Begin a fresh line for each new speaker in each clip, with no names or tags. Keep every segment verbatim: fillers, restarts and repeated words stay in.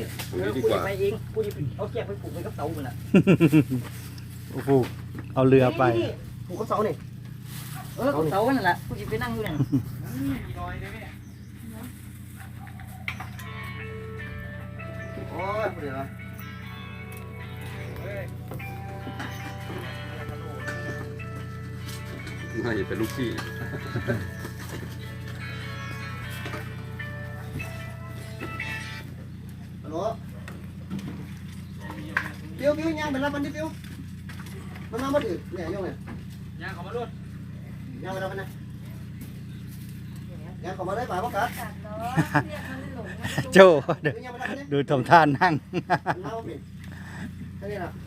ตรงนี้ดีกว่า
ไปเองกูจะเอาแกไปปลูกไว้กับเสามันอ่ะ
โอ้โหเอาเรือไป
ปลูกกับเสาเนี่ยเออกับเสานั่นแหละกูจะไปนั่งอยู่นั่นโอ้ยเดี๋ยว
น่าจะเป็นลูกพี่
ฮัลโหลเปียวเปียวย่างไปรับมันดิเปียวมันมาบ่ถือเนี่ยย่องเนี่ยย่างเขามาด้วยย่างไปรับมันนะย่างเขามาได้ป่าวกัด
โจดูดูทำท่านั่ง
เอาไปแค่นี้นะ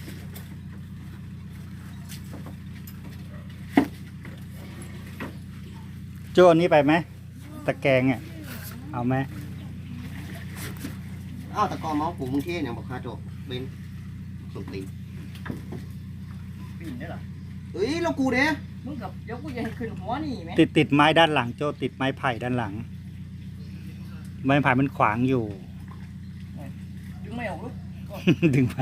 โจอันนี้ไปไหมตะแกรงอ่ะเอาไหม
อ้าวตะกอเมาส์ปลูกมึงเท่เนี่ยบอกคาโจเบนสุดตีปีนได้หรอเฮ้ยเรากูเด้มึงกับเดี๋ยวกูจะให้ขึ้นหัวนี่ไหม
ติดติดไม้ด้านหลังโจติดไม้ไผ่ด้านหลังไม้ไผ่มันขวางอยู่
ดึงไม่ออกลูก
ดึงไป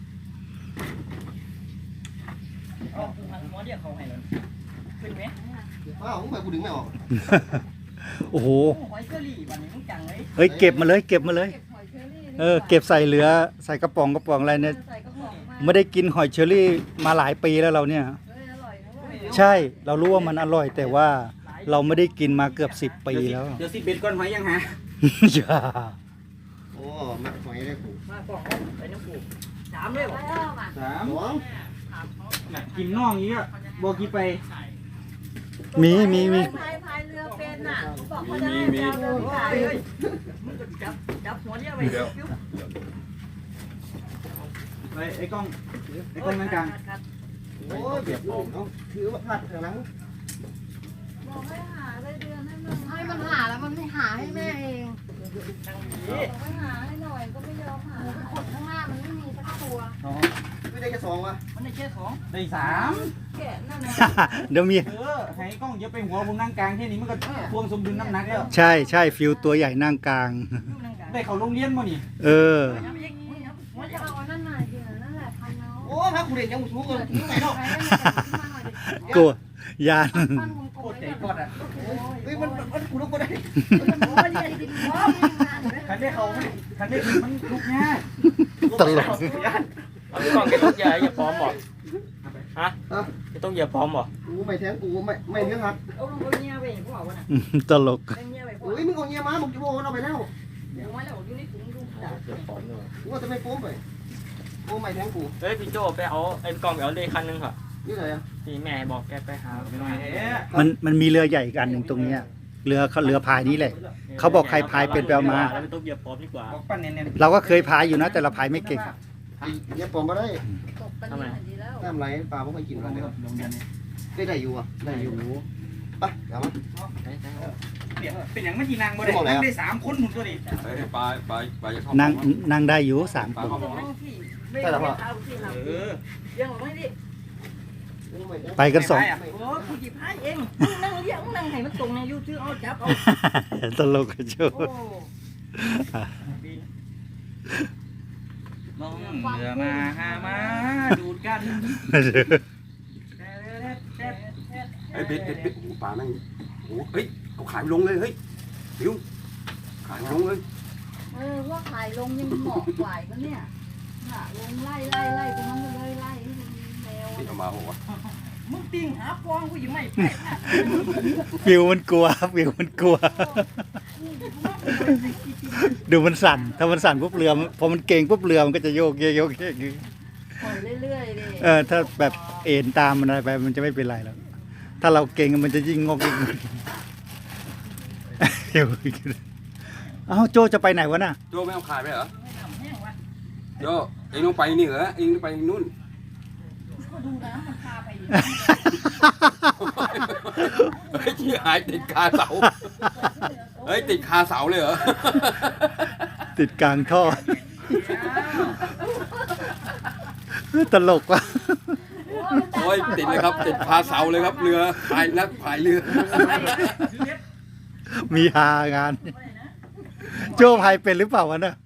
เอากูหันหัวเดียวเขาให้เลยขึ้นไหมอ้าวมึงไปกูดึงไม่ออก
โอ้โห
หอยเชอรี่วันนี้มึงจังเลย
เฮ้ยเก็บมาเลยเก็บมาเลยเออเก็บใส่เหลือใส่กระป๋องกระป๋องอะไรเนี่ยไม่ได้กินหอยเชอรี่มาหลายปีแล้วเราเนี่ยใช่เรารู้ว่ามันอร่อยแต่ว่าเราไม่ได้กินมาเกือบสิบปีแล้ว
เดี๋ยวสิเบ็ดก้อนหอยยังฮะ
อย่า
โอ้มาหอยได้กูมากล่องไปน้ำปูสามเลยบ่
สาม
สอง
น่ะกินน่องนี้ก็บอกกี่ไป
มีมีมี
พายพายเรือเป็นน่ะบอกเขาจะให้เราเดินขาย
มึงจะจับจับหัวเดียวไป
ไปไอ้กล้องไอ้กล้องกลาง
โอ้ยเบียดผมเอาถือว่าพลาดทางหลัง
บอกให้หาเลยเดือนให้มันให้มันหาแล้วมันไม่หาให้แม่เองบอกให้หาให้หน่อยก็ไม่ยอมหาขดข้างหน้ามันไม่มีสักตัว
ๆสอง
ไม่ได้แค่สองวะมันได้แค่สอง
ได้สาม
แกะนั่นแหละ
เดี๋ยวมี
เออให้กล้องเยอะไปหัวผมนั่งกลางแค่นี้มันก็ทวงสมดุลน้ำหนักแล้ว
ใช่ใช่ฟิวตัวใหญ่นั่งกลาง
ได้เขาโรงเรียนมั้นี่
เออ
มันจะเอานั่นหน่อยเดียวนั่นแหละพันเอา
โอ้พระกูเด่นยังมุสูงเลย
ใส่ดอกไม้มาหน่อยดิ
กลัว ยาน
ปั้นวงกล
โค
ม
ตรใจ
ไว้
กอดอ่ะ
เฮ้ยมันมันกูต้องกูได้
โอ้ยนี่ดิโอ้ยงานเลย
คันได้เขาไม่คันได้กินมันลุกง่าย
ตลก
เอาพี่กองแกต้องอย่าอย่าพร้อมบ่ฮะแกต้องอย่าพร้อมบ่
กูไม่แทงกูไม่ไม่เลี้ยงหัก
เอาลงบนเงี้ยไปพวกวะน่ะ
ตลก
เป็นเงี้ยไปพวก
โอ้ยมึงเอาเงี้ยมามึงจะโว้เอาไปแล้ว
เดี๋ยวไว้แล้วอยู่ในถุงดูจ้ะ
อย่าพร้อมเลย
กูว่าจะไม่โป้มไปโอ้ไม่แทงกู
เฮ้ยพี่โจไปเอาไอ้พี่กองไปเอาเลขคันนึงค่ะ
นี่อะไรอ่ะ
พี่แม่บอกแกไปหา
ไปหน่อยเอ๊ะ
มันมันมีเรือใหญ่อีกอันหนึ่งตรงเนี้ยเรือเขาเรือพายนี้แหละ เขาบอกใครพายเป็นไปเอามา
แล้วไม่ต้องเหยียบพร้อมดีกว่า
บอกปั้นเน้น
เราก็เคยพายอยู่นะแต่เราพายไม่เก่ง
เงี้ยปอมมาได้
ตกกันนี่ดีแล้ว
น้ำไหลปลาไม่ค่อยกิน
ๆ
กันเลย
โรงเรียนนี่
ได้ได้อยู่อ่ะได้อยู่ไปเดี๋ยวมา
เป็นอย่างไม่กี่นางบ่ได้นั่งได้สามคนหมุนตัวนี้
เฮ้ยปลาปลาปลาจะเข้า
นั่งนั่งได้อยู่สาม
ปลา
คน
เข้ามา
ไม่ได้เอาที่ท
เออ
ำยังไม่ดิ
ไปกันสอง
โอ้ผู้จีพายเองนั่งเลี้ยงนั่งให้มันตรงในยูทูบเอาจับเอา
ตลกกันชู
โอ้
มองเรือมาหามาดูดกัน
เฮ้ยเบ็ดเบ็ดเบ็ดโอ้โหปลาแม่งโอ้โหเฮ้ยเอาขายลงเลยเฮ้ยฟิวขายลงเลย
เออว่าขายลงยังเหมาะกว่าก็เนี่ยน่ะลงไล่ไล่ไล่ตรงนั้นเลยไล่ให้มันแนว
นี่เอามาโอ้โห
มึงติงหาฟองกูยังไม่ไป
ฟิวมันกลัวฟิวมันกลัว ดูมันสั่น ถ้ามันสั่นปุ๊บเรือพอมันเก่งปุ๊บเรือมันก็จะโยกเยกโยกเยก
ปล่อยเรื่อยๆดิ
เออถ้าแบบเอ็นตามมันอะไรไปมันจะไม่เป็นไรแล้วถ้าเราเก่งมันจะยิ่งงอกยิ่งเดี๋ยวเอ้าโจจะไปไหนวะน่ะ
โจไม่เอาขายไปเหรอโจเองต้องไปนี่เหรอเองต้องไปนู่น
ดูน้ำมันพาไป
เฮ้ยที่หายติดคาเสาเฮ้ยติดคาเสาเลยเหรอ
ติดกลางท่อตลกว่ะ
โอ้ยติดเลยครับติดคาเสาเลยครับเรือพายนักพายเรือ
มีฮางาน โจพายเป็นหรือเปล่าวะเนี่ย